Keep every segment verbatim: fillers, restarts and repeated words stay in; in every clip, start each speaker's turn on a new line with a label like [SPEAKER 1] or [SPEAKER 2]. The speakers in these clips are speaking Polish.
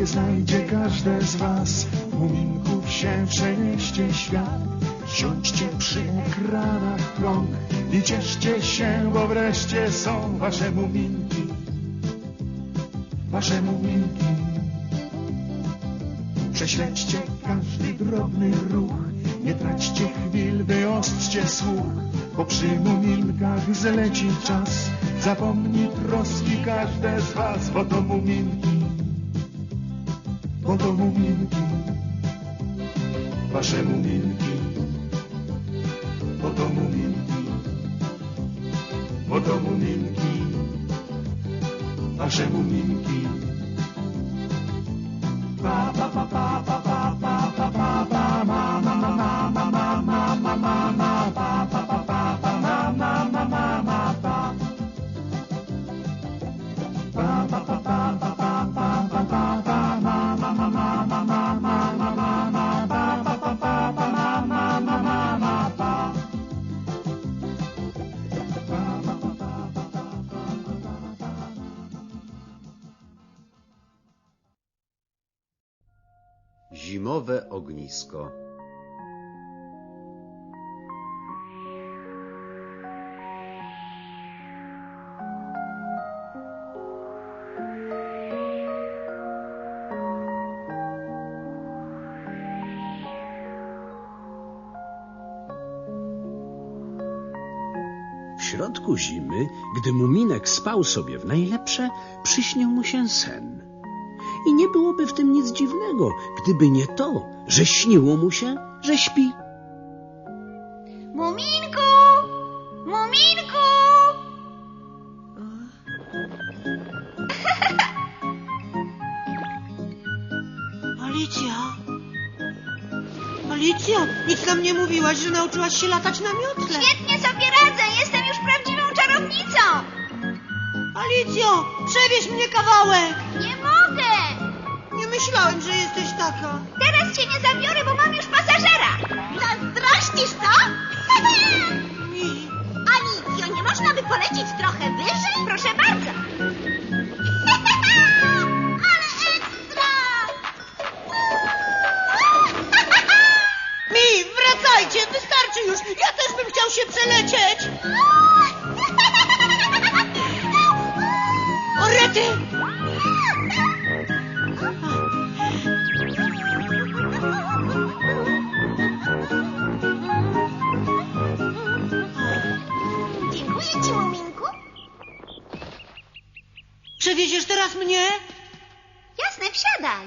[SPEAKER 1] znajdzie każde z was. Muminków się przenieście świat. Siądźcie przy ekranach krąg i cieszcie się, bo wreszcie są wasze muminki. Wasze muminki. Prześledźcie każdy drobny ruch, nie traćcie chwil, wyostrzcie słuch, bo przy muminkach zleci czas. Zapomni troski każde z was, bo to muminki, bo to muminki, wasze muminki, bo to muminki, bo to muminki, wasze muminki. Pa pa pa pa pa pa pa pa pa pa ma ma ma ma ma ma ma ma ma ma pa pa pa pa pa ma ma ma ma ma pa pa pa pa pa pa pa pa pa pa pa ma ma ma ma ma ma ma ma ma ma pa pa pa pa pa ma ma ma ma ma pa.
[SPEAKER 2] Zimowe ognisko.
[SPEAKER 3] W środku zimy, gdy Muminek spał sobie w najlepsze, przyśnił mu się sen. I nie byłoby w tym nic dziwnego, gdyby nie to, że śniło mu się, że śpi.
[SPEAKER 4] Muminku! Muminku!
[SPEAKER 5] Alicja? Alicja, nic nam nie mówiłaś, że nauczyłaś się latać na miotle.
[SPEAKER 4] Świetnie sobie radzę, jestem już prawdziwą czarownicą.
[SPEAKER 5] Alicjo, przewieź mnie kawałek.
[SPEAKER 4] Nie mogę!
[SPEAKER 5] Nie myślałem, że jesteś taka.
[SPEAKER 4] Teraz cię nie zabiorę, bo mam już pasażera. Zazdrościsz, co?
[SPEAKER 5] Mi.
[SPEAKER 4] Alicjo, nie można by polecieć trochę wyżej? Proszę bardzo. Ale ekstra!
[SPEAKER 5] Mi, wracajcie, wystarczy już. Ja też bym chciał się przelecieć. O rety!
[SPEAKER 4] Dziękuję ci, Muminku.
[SPEAKER 5] Przewieziesz teraz mnie?
[SPEAKER 4] Jasne, wsiadaj.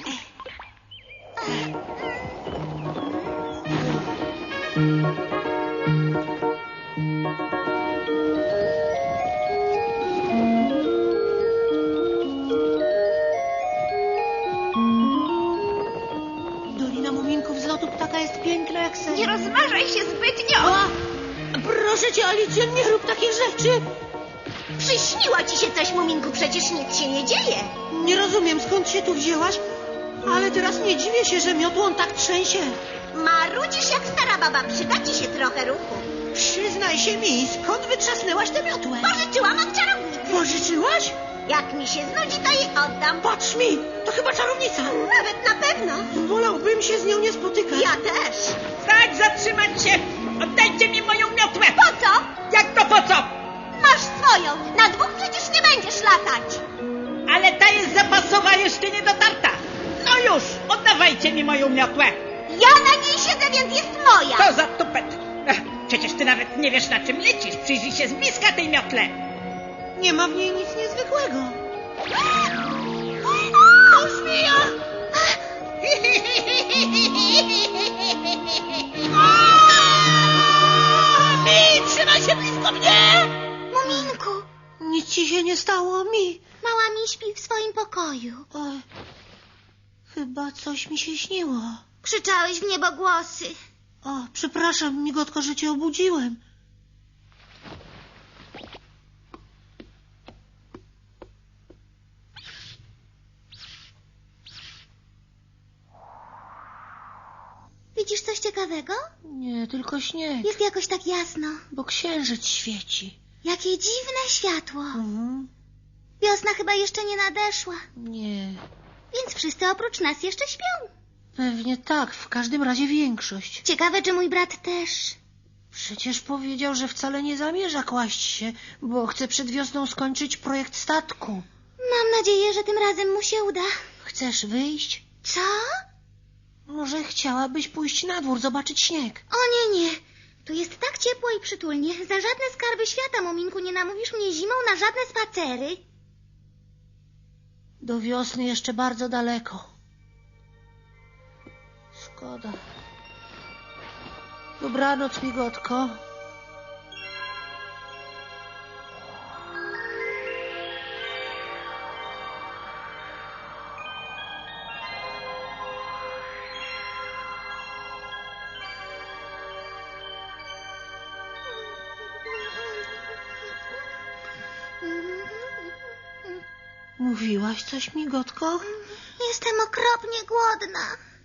[SPEAKER 5] Dolina Muminków z lotu ptaka jest piękna jak sen.
[SPEAKER 4] Nie rozważaj się zbytnio.
[SPEAKER 5] A, proszę cię, Alicjo, nie rób takich rzeczy.
[SPEAKER 4] Przyśniło ci się coś, Muminku, przecież nic się nie dzieje.
[SPEAKER 5] Nie rozumiem, skąd się tu wzięłaś, ale teraz nie dziwię się, że miotłą tak trzęsie.
[SPEAKER 4] Marudzisz jak stara baba, przyda ci się trochę ruchu.
[SPEAKER 5] Przyznaj się mi, skąd wytrzasnęłaś tę miotłę?
[SPEAKER 4] Pożyczyłam od czarownicy.
[SPEAKER 5] Pożyczyłaś?
[SPEAKER 4] Jak mi się znudzi, to jej oddam.
[SPEAKER 5] Patrz mi, to chyba czarownica.
[SPEAKER 4] Nawet na pewno.
[SPEAKER 5] Wolałbym się z nią nie spotykać.
[SPEAKER 4] Ja też.
[SPEAKER 6] Stać, zatrzymać się! Oddajcie mi moją miotłę!
[SPEAKER 4] Po co?
[SPEAKER 6] Jak to po co?
[SPEAKER 4] Masz swoją. Na dwóch przecież nie będziesz latać.
[SPEAKER 6] Ale ta jest zapasowa, jeszcze nie dotarta. No już, oddawajcie mi moją miotłę.
[SPEAKER 4] Ja na niej siedzę, więc jest moja.
[SPEAKER 6] Co za tupet. Ech, przecież ty nawet nie wiesz, na czym lecisz. Przyjrzyj się z bliska tej miotle.
[SPEAKER 5] Nie ma w niej nic niezwykłego.
[SPEAKER 4] O, zmija!
[SPEAKER 5] Mi, trzymaj się blisko mnie!
[SPEAKER 4] Muminku,
[SPEAKER 5] Nic ci się nie stało, mi.
[SPEAKER 4] mała mi śpi w swoim pokoju.
[SPEAKER 5] Oj, chyba coś mi się śniło.
[SPEAKER 4] Krzyczałeś w niebogłosy.
[SPEAKER 5] O, przepraszam, migotko, że cię obudziłem.
[SPEAKER 4] Widzisz coś ciekawego?
[SPEAKER 5] Nie, tylko śnieg,
[SPEAKER 4] Jest jakoś tak jasno.
[SPEAKER 5] bo księżyc świeci.
[SPEAKER 4] Jakie dziwne światło.
[SPEAKER 5] Mhm.
[SPEAKER 4] Wiosna chyba jeszcze nie nadeszła.
[SPEAKER 5] Nie.
[SPEAKER 4] Więc wszyscy oprócz nas jeszcze śpią.
[SPEAKER 5] Pewnie tak, w każdym razie większość.
[SPEAKER 4] Ciekawe, czy mój brat też.
[SPEAKER 5] Przecież powiedział, że wcale nie zamierza kłaść się, bo chce przed wiosną skończyć projekt statku.
[SPEAKER 4] Mam nadzieję, że tym razem mu się uda.
[SPEAKER 5] Chcesz wyjść?
[SPEAKER 4] Co?
[SPEAKER 5] Może chciałabyś pójść na dwór, zobaczyć śnieg?
[SPEAKER 4] O nie, nie. Tu jest tak ciepło i przytulnie. Za żadne skarby świata, Muminku, nie namówisz mnie zimą na żadne spacery.
[SPEAKER 5] Do wiosny jeszcze bardzo daleko. Szkoda. Dobranoc, migotko. Mówiłaś coś, migotko?
[SPEAKER 4] Jestem okropnie głodna.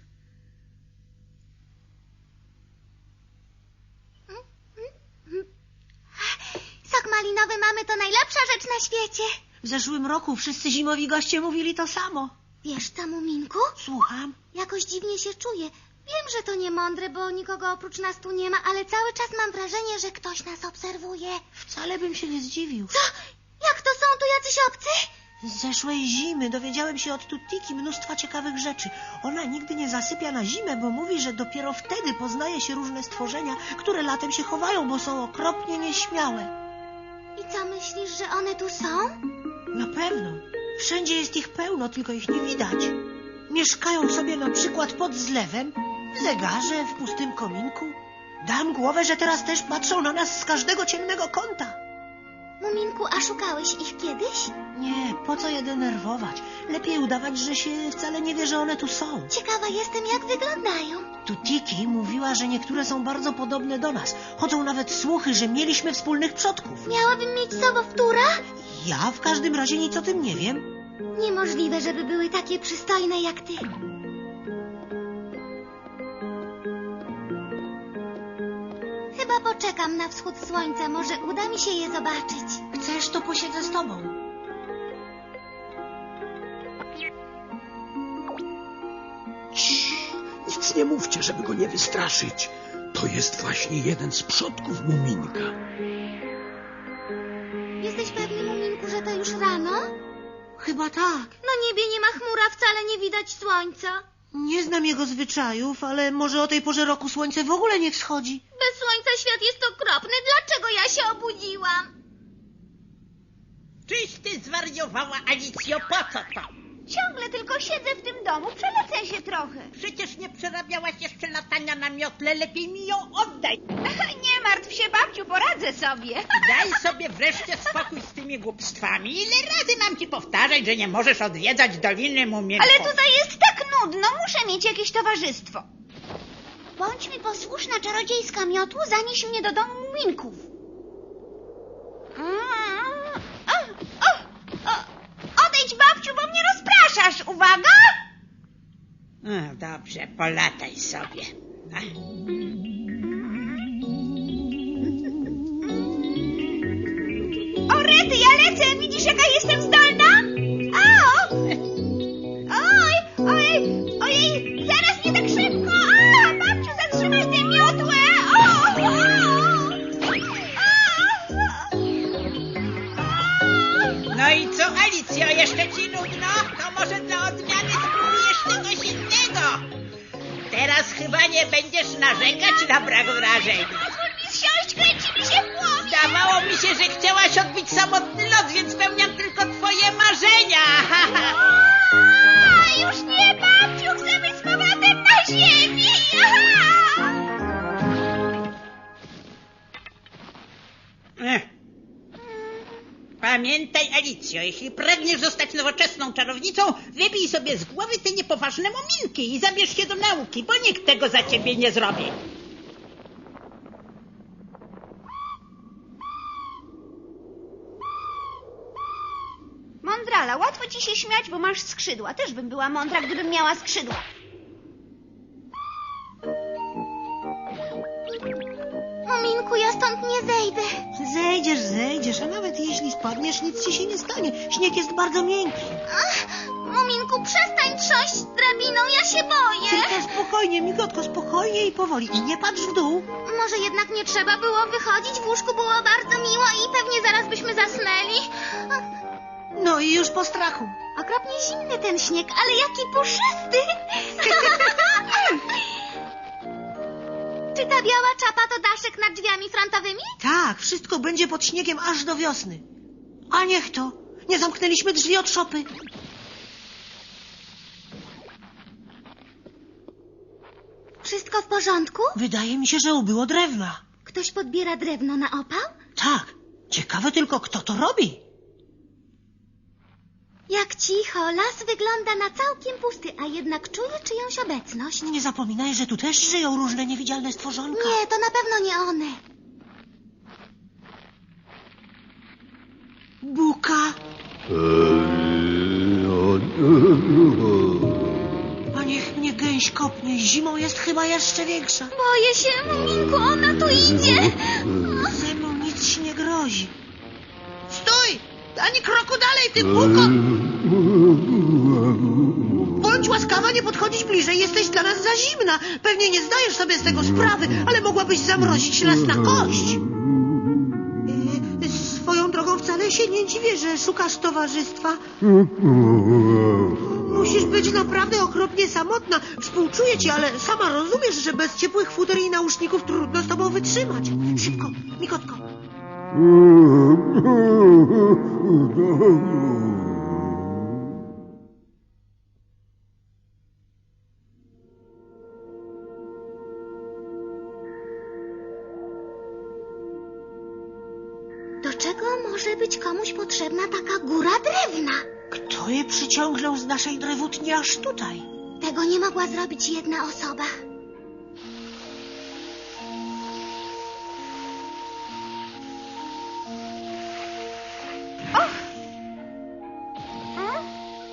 [SPEAKER 4] Sok malinowy mamy to najlepsza rzecz na świecie.
[SPEAKER 5] W zeszłym roku wszyscy zimowi goście mówili to samo.
[SPEAKER 4] Wiesz co, Muminku?
[SPEAKER 5] Słucham?
[SPEAKER 4] Jakoś dziwnie się czuję. Wiem, że to niemądre, bo nikogo oprócz nas tu nie ma, ale cały czas mam wrażenie, że ktoś nas obserwuje.
[SPEAKER 5] Wcale bym się nie zdziwił.
[SPEAKER 4] Co? Jak to są tu jacyś obcy?
[SPEAKER 5] Z zeszłej zimy dowiedziałem się od Tutiki mnóstwa ciekawych rzeczy. Ona nigdy nie zasypia na zimę, bo mówi, że dopiero wtedy poznaje się różne stworzenia, które latem się chowają, bo są okropnie nieśmiałe.
[SPEAKER 4] I co, myślisz, że one tu są?
[SPEAKER 5] Na pewno. Wszędzie jest ich pełno, tylko ich nie widać. Mieszkają sobie na przykład pod zlewem, w zegarze, w pustym kominku. Dam głowę, że teraz też patrzą na nas z każdego ciemnego kąta.
[SPEAKER 4] Muminku, a szukałeś ich kiedyś?
[SPEAKER 5] Nie, po co je denerwować? Lepiej udawać, że się wcale nie wie, że one tu są.
[SPEAKER 4] Ciekawa jestem, jak wyglądają.
[SPEAKER 5] Tutiki mówiła, że niektóre są bardzo podobne do nas. Chodzą nawet słuchy, że mieliśmy wspólnych przodków.
[SPEAKER 4] Miałabym mieć sobowtóra?
[SPEAKER 5] Ja w każdym razie nic o tym nie wiem.
[SPEAKER 4] Niemożliwe, żeby były takie przystojne jak ty. Chyba poczekam na wschód słońca. Może uda mi się je zobaczyć.
[SPEAKER 5] Chcesz, to posiedzę z tobą.
[SPEAKER 3] Cii, nic nie mówcie, żeby go nie wystraszyć. To jest właśnie jeden z przodków Muminka.
[SPEAKER 4] Jesteś pewny, Muminku, że to już rano?
[SPEAKER 5] Chyba tak.
[SPEAKER 4] Na niebie nie ma chmura, wcale nie widać słońca.
[SPEAKER 5] Nie znam jego zwyczajów, ale może o tej porze roku słońce w ogóle nie wschodzi.
[SPEAKER 4] Bez słońca świat jest okropny. Dlaczego ja się obudziłam?
[SPEAKER 6] Czyś ty zwariowała, Alicjo, po co to?
[SPEAKER 4] Ciągle tylko siedzę w tym domu, przelecę się trochę.
[SPEAKER 6] Przecież nie przerabiałaś jeszcze latania na miotle, lepiej mi ją oddaj.
[SPEAKER 4] Nie martw się, babciu, poradzę sobie.
[SPEAKER 6] Daj sobie wreszcie spokój z tymi głupstwami. Ile razy mam ci powtarzać, że nie możesz odwiedzać Doliny Muminków?
[SPEAKER 4] Ale tutaj jest tak nudno, muszę mieć jakieś towarzystwo. Bądź mi posłuszna, czarodziejska miotło, zanieś mnie do domu Muminków. O, o, o, odejdź, babciu, bo mnie rozpraszasz. Uwaga!
[SPEAKER 6] No dobrze, polataj sobie. Ach.
[SPEAKER 4] O, rety, ja lecę. Widzisz, jaka jestem zdolna? Au! Oj, ojej, ojej, zaraz nie tak szybko. A, babciu, zatrzymaj tę miotłę. O, o,
[SPEAKER 6] No i co, Alicjo, jeszcze ci nudno? To może dla odmiany spróbujesz czegoś innego. Teraz chyba nie będziesz narzekać na brak wrażeń.
[SPEAKER 4] pozwól mi zsiąść, kręci mi się w głowie.
[SPEAKER 6] Zdawało mi się, że chciałaś odbić samotny lot, więc spełniam tylko twoje marzenia.
[SPEAKER 4] A, już nie, babciu, chcę być z powrotem na ziemi. Aha!
[SPEAKER 6] Ech. Pamiętaj, Alicjo, jeśli pragniesz zostać nowoczesną czarownicą, wybij sobie z głowy te niepoważne muminki i zabierz się do nauki, bo nikt tego za ciebie nie zrobi.
[SPEAKER 4] Mądrala, łatwo ci się śmiać, bo masz skrzydła. Też bym była mądra, gdybym miała skrzydła. Muminku, ja stąd nie zejdę.
[SPEAKER 5] Zejdziesz, zejdziesz, a nawet jeśli spadniesz, nic ci się nie stanie. Śnieg jest bardzo miękki.
[SPEAKER 4] Ach, Muminku, przestań trząść drabiną, ja się boję.
[SPEAKER 5] Tylko spokojnie, migotko, spokojnie i powoli. I nie patrz w dół.
[SPEAKER 4] Może jednak nie trzeba było wychodzić, w łóżku było bardzo miło i pewnie zaraz byśmy zasnęli.
[SPEAKER 5] No i już po strachu.
[SPEAKER 4] Okropnie zimny ten śnieg, ale jaki puszysty. Czy ta biała czapa to daszek nad drzwiami frontowymi?
[SPEAKER 5] Tak, wszystko będzie pod śniegiem aż do wiosny. A niech to. Nie zamknęliśmy drzwi od szopy.
[SPEAKER 4] Wszystko w porządku?
[SPEAKER 5] Wydaje mi się, że ubyło drewna.
[SPEAKER 4] Ktoś podbiera drewno na opał?
[SPEAKER 5] Tak. Ciekawe tylko, kto to robi.
[SPEAKER 4] Jak cicho, las wygląda na całkiem pusty, a jednak czuję czyjąś obecność.
[SPEAKER 5] Nie zapominaj, że tu też żyją różne niewidzialne stworzonka.
[SPEAKER 4] Nie, to na pewno nie one.
[SPEAKER 5] Buka. A niech mnie gęś kopnie. Zimą jest chyba jeszcze większa.
[SPEAKER 4] Boję się, Muminku, ona tu idzie.
[SPEAKER 5] Ze mną nic ci nie grozi. Stój! Ani kroku dalej, ty buko! Bądź łaskawa nie podchodzić bliżej, jesteś dla nas za zimna. Pewnie nie zdajesz sobie z tego sprawy, ale mogłabyś zamrozić nas na kość. Yy, swoją drogą wcale się nie dziwię, że szukasz towarzystwa. Musisz być naprawdę okropnie samotna. Współczuję ci, ale sama rozumiesz, że bez ciepłych futer i nauszników trudno z tobą wytrzymać. Szybko, migotko.
[SPEAKER 4] Do czego może być komuś potrzebna taka góra drewna?
[SPEAKER 5] Kto je przyciągnął z naszej drewutni aż tutaj?
[SPEAKER 4] Tego nie mogła zrobić jedna osoba. Och! Hmm?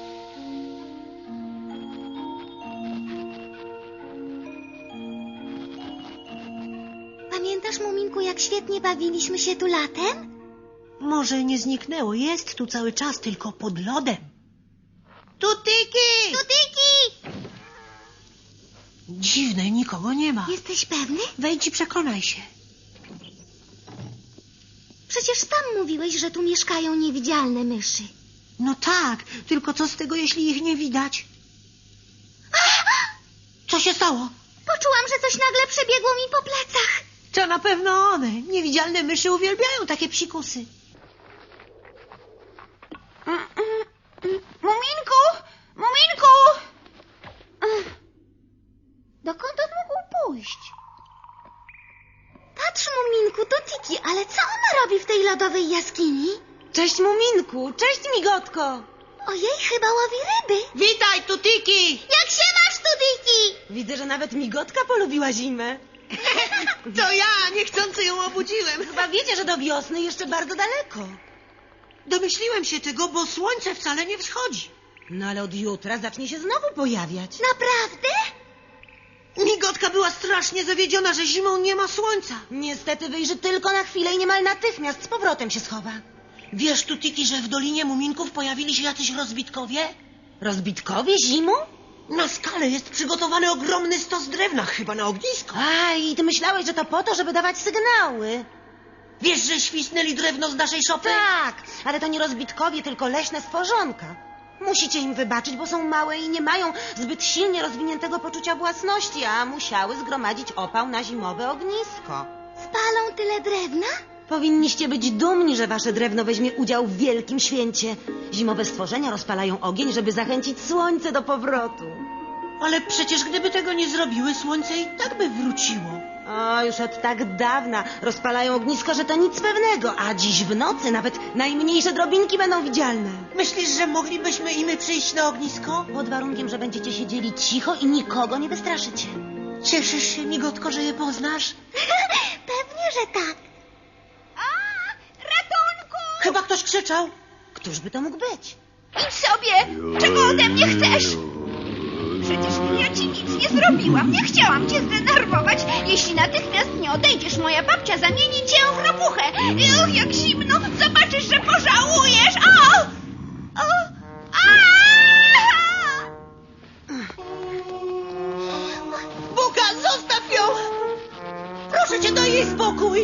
[SPEAKER 4] Pamiętasz, Muminku, jak świetnie bawiliśmy się tu latem?
[SPEAKER 5] Może nie zniknęło, jest tu cały czas, tylko pod lodem. Tutyki!
[SPEAKER 4] Tutyki!
[SPEAKER 5] Dziwne, nikogo nie ma.
[SPEAKER 4] Jesteś pewny?
[SPEAKER 5] Wejdź i przekonaj się.
[SPEAKER 4] Przecież sam mówiłeś, że tu mieszkają niewidzialne myszy.
[SPEAKER 5] No tak, tylko co z tego, jeśli ich nie widać? Co się stało?
[SPEAKER 4] Poczułam, że coś nagle przebiegło mi po plecach.
[SPEAKER 5] To na pewno one. Niewidzialne myszy uwielbiają takie psikusy.
[SPEAKER 4] Muminku! Muminku! Dokąd on mógł pójść? Patrz, Muminku, to Tiki, ale co ona robi w tej lodowej jaskini?
[SPEAKER 7] Cześć, Muminku! Cześć, Migotko!
[SPEAKER 4] Ojej, chyba łowi ryby.
[SPEAKER 5] Witaj, Tutiki!
[SPEAKER 4] Jak się masz tu, Tiki?
[SPEAKER 7] Widzę, że nawet Migotka polubiła zimę.
[SPEAKER 5] To ja niechcący ją obudziłem.
[SPEAKER 7] Chyba wiecie, że do wiosny jeszcze bardzo daleko.
[SPEAKER 5] Domyśliłem się tego, bo słońce wcale nie wschodzi.
[SPEAKER 7] No ale od jutra zacznie się znowu pojawiać.
[SPEAKER 4] Naprawdę?
[SPEAKER 5] Migotka była strasznie zawiedziona, że zimą nie ma słońca.
[SPEAKER 7] Niestety wyjrzy tylko na chwilę i niemal natychmiast z powrotem się schowa.
[SPEAKER 5] Wiesz, Tutiki, że w Dolinie Muminków pojawili się jacyś rozbitkowie?
[SPEAKER 7] Rozbitkowie zimą?
[SPEAKER 5] Na skale jest przygotowany ogromny stos drewna, chyba na ognisko.
[SPEAKER 7] A, i ty myślałeś, że to po to, żeby dawać sygnały.
[SPEAKER 5] Wiesz, że świsnęli drewno z naszej szopy?
[SPEAKER 7] Tak, ale to nie rozbitkowie, tylko leśne stworzonka. Musicie im wybaczyć, bo są małe i nie mają zbyt silnie rozwiniętego poczucia własności, a musiały zgromadzić opał na zimowe ognisko.
[SPEAKER 4] Spalą tyle drewna?
[SPEAKER 7] Powinniście być dumni, że wasze drewno weźmie udział w wielkim święcie. Zimowe stworzenia rozpalają ogień, żeby zachęcić słońce do powrotu.
[SPEAKER 5] Ale przecież gdyby tego nie zrobiły, słońce i tak by wróciło.
[SPEAKER 7] O, już od tak dawna rozpalają ognisko, że to nic pewnego, a dziś w nocy nawet najmniejsze drobinki będą widzialne.
[SPEAKER 5] Myślisz, że moglibyśmy i my przyjść na ognisko?
[SPEAKER 7] Pod warunkiem, że będziecie siedzieli cicho i nikogo nie wystraszycie.
[SPEAKER 5] Cieszysz się, Migotko, że je poznasz?
[SPEAKER 4] Pewnie, że tak. A, ratunku!
[SPEAKER 5] Chyba ktoś krzyczał.
[SPEAKER 7] Któż by to mógł być?
[SPEAKER 4] Idź sobie! Czego ode mnie chcesz? Przecież ja ci nic nie zrobiłam. Nie chciałam cię zdenerwować. Jeśli natychmiast nie odejdziesz, moja babcia zamieni cię w ropuchę. Uch, jak zimno. Zobaczysz, że pożałujesz. O! O! A!
[SPEAKER 5] zostaw ją! Proszę cię, daj jej spokój!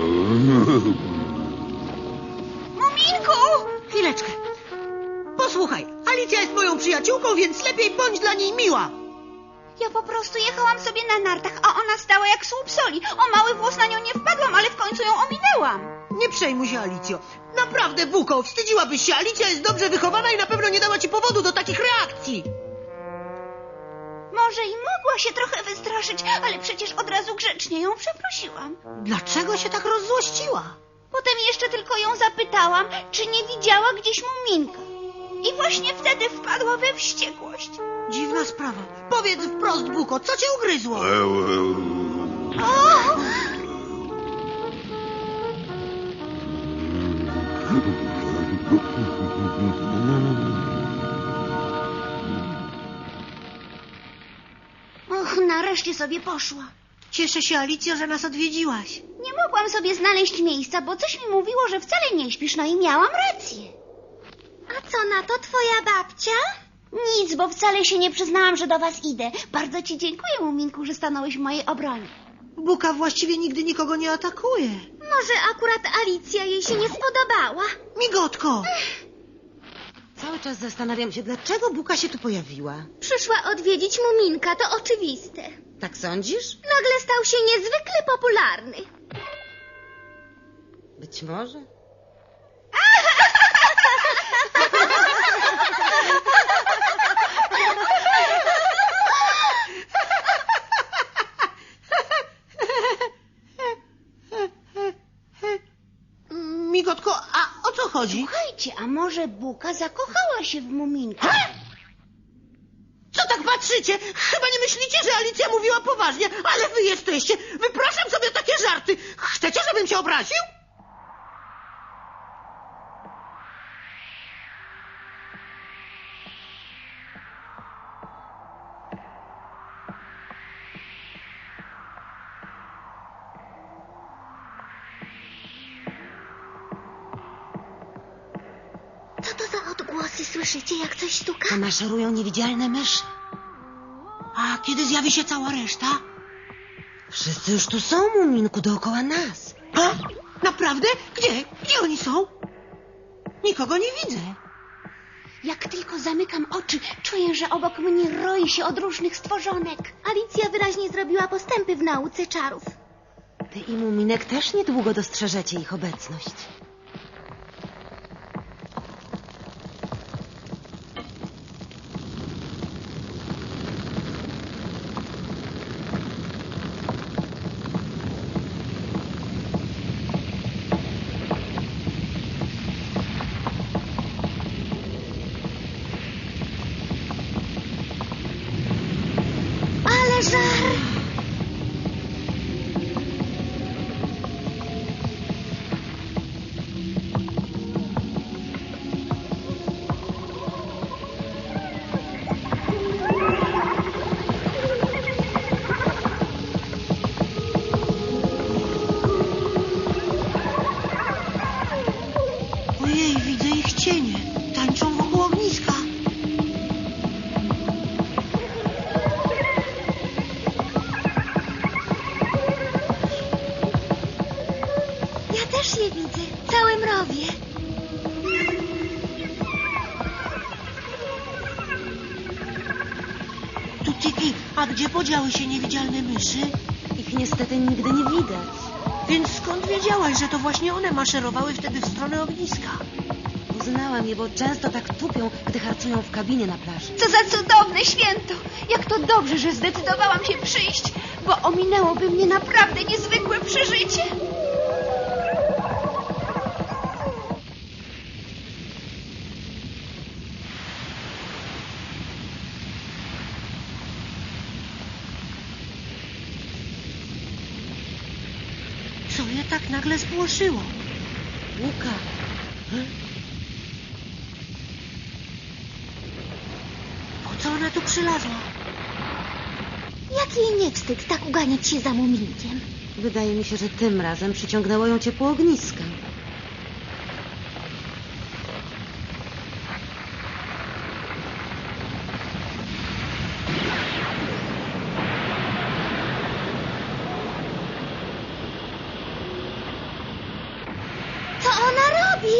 [SPEAKER 4] Muminku!
[SPEAKER 5] Chwileczkę. Posłuchaj, Alicja jest moją przyjaciółką, więc lepiej bądź dla niej miła.
[SPEAKER 4] Ja po prostu jechałam sobie na nartach, a ona stała jak słup soli. O mały włos na nią nie wpadłam, ale w końcu ją ominęłam.
[SPEAKER 5] Nie przejmuj się, Alicjo. Naprawdę, Buko, wstydziłabyś się. Alicja jest dobrze wychowana i na pewno nie dała ci powodu do takich reakcji.
[SPEAKER 4] Może i mogła się trochę wystraszyć, ale przecież od razu grzecznie ją przeprosiłam.
[SPEAKER 5] Dlaczego się tak rozzłościła?
[SPEAKER 4] Potem jeszcze tylko ją zapytałam, czy nie widziała gdzieś Muminka. I właśnie wtedy wpadła we wściekłość.
[SPEAKER 5] Dziwna sprawa. Powiedz wprost, Buko, co cię ugryzło?
[SPEAKER 4] O! Och, nareszcie sobie poszła.
[SPEAKER 5] Cieszę się, Alicjo, że nas odwiedziłaś.
[SPEAKER 4] Nie mogłam sobie znaleźć miejsca, bo coś mi mówiło, że wcale nie śpisz, no i miałam rację. A co na to twoja babcia? Nic, bo wcale się nie przyznałam, że do was idę. Bardzo ci dziękuję, Muminku, że stanąłeś w mojej obronie.
[SPEAKER 5] Buka właściwie nigdy nikogo nie atakuje.
[SPEAKER 4] Może akurat Alicja jej się nie spodobała.
[SPEAKER 5] Migotko!
[SPEAKER 7] Cały czas zastanawiam się, dlaczego Buka się tu pojawiła.
[SPEAKER 4] Przyszła odwiedzić Muminka, to oczywiste.
[SPEAKER 7] Tak sądzisz?
[SPEAKER 4] Nagle stał się niezwykle popularny.
[SPEAKER 7] Być może.
[SPEAKER 5] Migotko, a o co chodzi?
[SPEAKER 4] Słuchajcie, a może Buka zakochała się w Muminku?
[SPEAKER 5] Co tak patrzycie? Chyba nie myślicie, że Alicja mówiła poważnie, ale wy jesteście. Wypraszam sobie takie żarty. Chcecie, żebym się obraził?
[SPEAKER 4] Co to za odgłosy? Słyszycie, jak coś stuka?
[SPEAKER 7] To maszerują niewidzialne myszy.
[SPEAKER 5] A kiedy zjawi się cała reszta?
[SPEAKER 7] Wszyscy już tu są, Muminku, dookoła nas.
[SPEAKER 5] A? Naprawdę? Gdzie? Gdzie oni są? Nikogo nie widzę.
[SPEAKER 4] Jak tylko zamykam oczy, czuję, że obok mnie roi się od różnych stworzonek. Alicja wyraźnie zrobiła postępy w nauce czarów.
[SPEAKER 7] Ty i Muminek też niedługo dostrzeżecie ich obecność.
[SPEAKER 4] Ale żar!
[SPEAKER 5] Ojej, widzę ich cienie. Tańczą wokół ogniska.
[SPEAKER 4] Ja też je widzę, całe mrowie.
[SPEAKER 5] Tutiki, a gdzie podziały się niewidzialne myszy?
[SPEAKER 7] Ich niestety nigdy nie widać.
[SPEAKER 5] Więc skąd wiedziałaś, że to właśnie one maszerowały wtedy w stronę ogniska?
[SPEAKER 7] Poznałam je, bo często tak tupią, gdy harcują w kabinie na plaży.
[SPEAKER 4] Co za cudowne święto! Jak to dobrze, że zdecydowałam się przyjść, bo ominęłoby mnie naprawdę niezwykłe przeżycie.
[SPEAKER 5] Co je tak nagle spłoszyło?
[SPEAKER 7] Buka,
[SPEAKER 5] Po co ona tu przylazła?
[SPEAKER 4] Jak jej nie wstyd tak uganiać się za Muminkiem?
[SPEAKER 7] wydaje mi się, że tym razem przyciągnęło ją ciepło ogniska.
[SPEAKER 4] gotowi?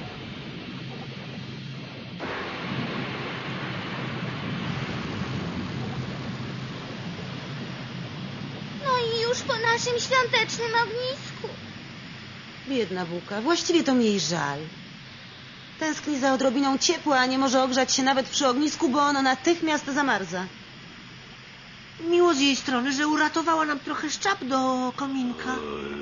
[SPEAKER 4] No i już po naszym świątecznym ognisku.
[SPEAKER 7] Biedna Buka, właściwie to mi jej żal. Tęskni za odrobiną ciepła, a nie może ogrzać się nawet przy ognisku, bo ono natychmiast zamarza.
[SPEAKER 5] Miło z jej strony, że uratowała nam trochę szczap do kominka.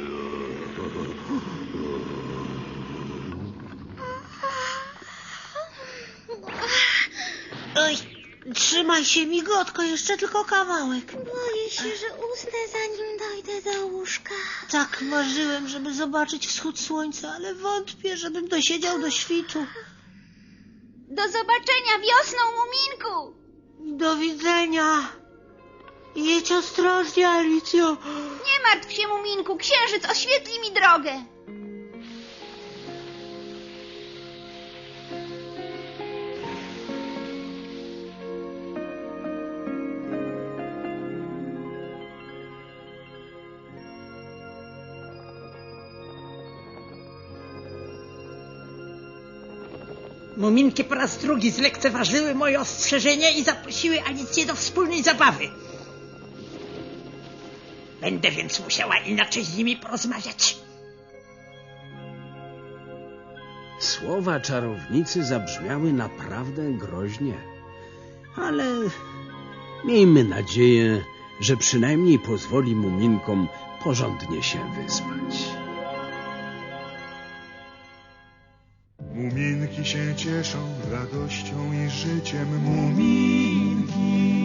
[SPEAKER 5] Oj, trzymaj się, migotko, jeszcze tylko kawałek.
[SPEAKER 4] Boję się, że usnę, zanim dojdę do łóżka.
[SPEAKER 5] Tak marzyłem, żeby zobaczyć wschód słońca, ale wątpię, żebym dosiedział do świtu.
[SPEAKER 4] Do zobaczenia wiosną, Muminku!
[SPEAKER 5] Do widzenia. Jedź ostrożnie, Alicjo.
[SPEAKER 4] Nie martw się, Muminku, księżyc oświetli mi drogę.
[SPEAKER 6] Muminki po raz drugi zlekceważyły moje ostrzeżenie i zaprosiły Alicję do wspólnej zabawy. Będę więc musiała inaczej z nimi porozmawiać.
[SPEAKER 3] Słowa czarownicy zabrzmiały naprawdę groźnie, ale miejmy nadzieję, że przynajmniej pozwoli muminkom porządnie się wyspać.
[SPEAKER 1] Muminki się cieszą radością i życiem, muminki.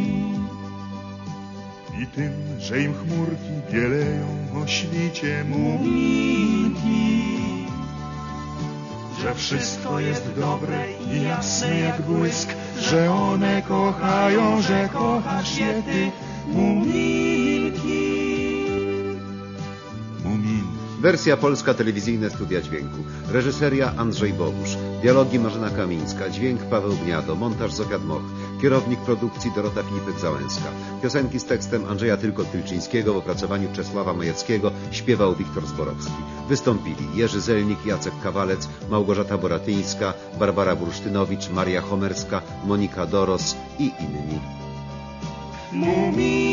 [SPEAKER 1] I tym, że im chmurki bieleją o świcie, muminki. Że wszystko jest dobre i jasne jak błysk, że one kochają, że kochasz je ty, muminki. Muminki.
[SPEAKER 2] Wersja polska, telewizyjne studia dźwięku. Reżyseria Andrzej Bogusz. Dialogi Marzena Kamińska. Dźwięk Paweł Gniado. Montaż Zofia Dmoch. Kierownik produkcji Dorota Filipek-Załęska. Piosenki z tekstem Andrzeja Tylko-Tylczyńskiego w opracowaniu Czesława Majeckiego. Śpiewał Wiktor Zborowski. Wystąpili Jerzy Zelnik, Jacek Kawalec, Małgorzata Boratyńska, Barbara Bursztynowicz, Maria Homerska, Monika Doros i inni.
[SPEAKER 1] Muminki.